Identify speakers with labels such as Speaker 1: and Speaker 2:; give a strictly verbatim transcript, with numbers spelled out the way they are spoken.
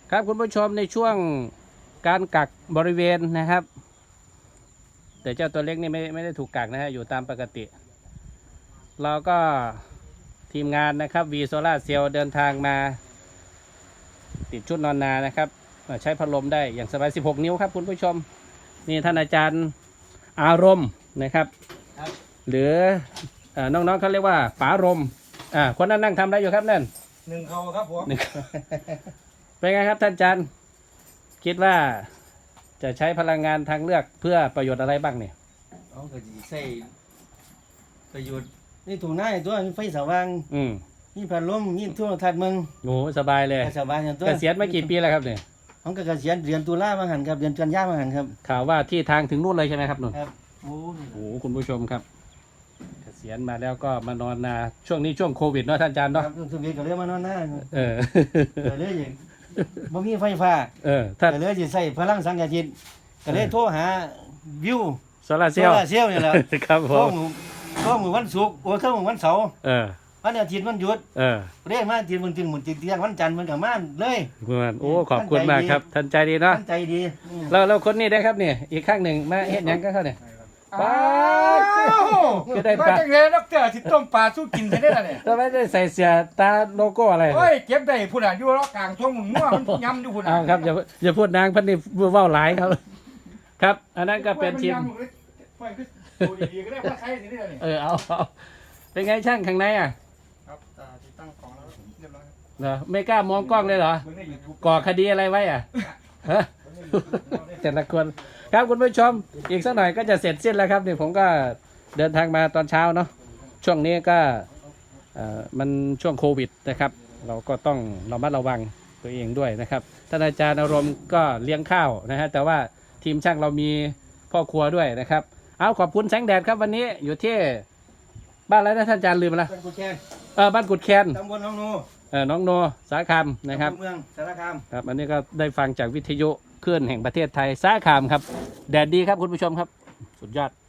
Speaker 1: ครับคุณผู้ชมในช่วงการกักบริเวณนะครับแต่เจ้าตัวเล็กนี่ไม่ไม่ได้ถูกกักนะฮะอยู่ตามปกติเราก็ทีมงานนะครับวีโซล่าเซลเดินทางมาติดชุดนอนนานะครับใช้พัดลมได้อย่างสบายสิบหกนิ้วครับคุณผู้ชมนี่ท่านอาจารย์อารมณ์นะครับหรือน้องๆเขาเรียกว่าป๋ารมอ่าคนนั้นนั่งทำอะไรอยู่ครับนั่น
Speaker 2: หนึ่งเขาครับผม
Speaker 1: เป็นไงครับท่านอาจารย์คิดว่าจะใช้พลังงานทางเลือกเพื่อประโยชน์อะไรบ้างเนี่ย
Speaker 2: เอาก็จะใช้ประโยชน์นี่ถูกหน้าตัวมีไฟสว่าง
Speaker 1: อืม
Speaker 2: มีพัดลมมีโทรทัศน์มึง
Speaker 1: โอ้สบายเลย
Speaker 2: สบายตัว
Speaker 1: เกษียณมากี่ปีแล้วครับเนี่ย
Speaker 2: ผมก็เกษียณเดือนตุลามาหันครับเดือนกันยามาหันครับ
Speaker 1: ข่าวว่าที่ทางถึงนู่นเลยใช่ไหมครับนุ่น
Speaker 2: ครับโอ้
Speaker 1: โหคุณผู้ชมครับเกษียณมาแล้วก็มานอนนาช่วงนี้ช่วงโควิดเนาะท่านอาจารย์เนาะ
Speaker 2: ครับช่วงนี้ก็เลยมานอนหน้า
Speaker 1: เออ
Speaker 2: ก็เลยอย่างบ่มีไฟฟ้า
Speaker 1: เออท่าน
Speaker 2: ก็เลยจะใส่พลังสังกะจิตก็เลยโทรหาวิว
Speaker 1: โซลาเซลล์
Speaker 2: โซลาเซลล์นี่แหละ
Speaker 1: ครับผม
Speaker 2: โทรมือวันศุกร์โอ้โทรมือวันเสาร์
Speaker 1: เออ
Speaker 2: วันอาทิตย์วันหยุด
Speaker 1: เออ
Speaker 2: เรียกมาทีมันจึงหมุนจึงเที่ยงวันจันทร์มันกับม่านเลย
Speaker 1: โอ้ขอบคุณมากครับท่านใจดีเนาะ
Speaker 2: ใจดี
Speaker 1: เราเราคนนี้ได้ครับเนี่ยอีกข้างหนึ่งมาเห็นยังก็เขาเนี่ย
Speaker 3: ป้าก็ได้ปลาจังเลยนักเตะที่ต้มปลาสู้กินใช่ได้เนี่ย
Speaker 1: เราไม่ได้ใส่เสื้อตาโลโก้อะไร
Speaker 3: โอ้ยเก็บได้พูดอ่ะอยู่รอกลางช่วงมั่วมันย้ำอยู่พูดอ่ะ
Speaker 1: ครับอย่าอย่าพูดนางพันนี่ว่าวหลายครับครับอันนั้นก็เป็นทีมเออเอาเอาเป็นไงช่างข้างในอ่ะ
Speaker 3: ครับติดตั้งของแล้วเรียบร้อย
Speaker 1: เหรอไม่กล้ามองกล้องเลยเหรอก่อคดีอะไรไว้อ่ะฮะแต่ละคนครับคุณผู้ชมอีกสักหน่อยก็จะเสร็จสิ้นแล้วครับนี่ผมก็เดินทางมาตอนเช้าเนาะช่วงนี้ก็มันช่วงโควิดนะครับเราก็ต้องระมัดระวังตัวเองด้วยนะครับท่านอาจารย์อารมณ์ก็เลี้ยงข้าวนะฮะแต่ว่าทีมช่างเรามีพ่อครัวด้วยนะครับเอาขอบคุณแสงแดดครับวันนี้อยู่ที่บ้านอะไรนะท่านอาจารย์ลืมแล้ว
Speaker 2: บ้านกุดแคน
Speaker 1: เออบ้านกุดแคน
Speaker 2: ตำบลน้องโน
Speaker 1: เออน้องโนสาคามนะครับ
Speaker 2: เมืองสารคาม
Speaker 1: ครับอันนี้ก็ได้ฟังจากวิทยุคลื่นแห่งประเทศไทยสาคามครับแดดดีครับคุณผู้ชมครับสุดยอด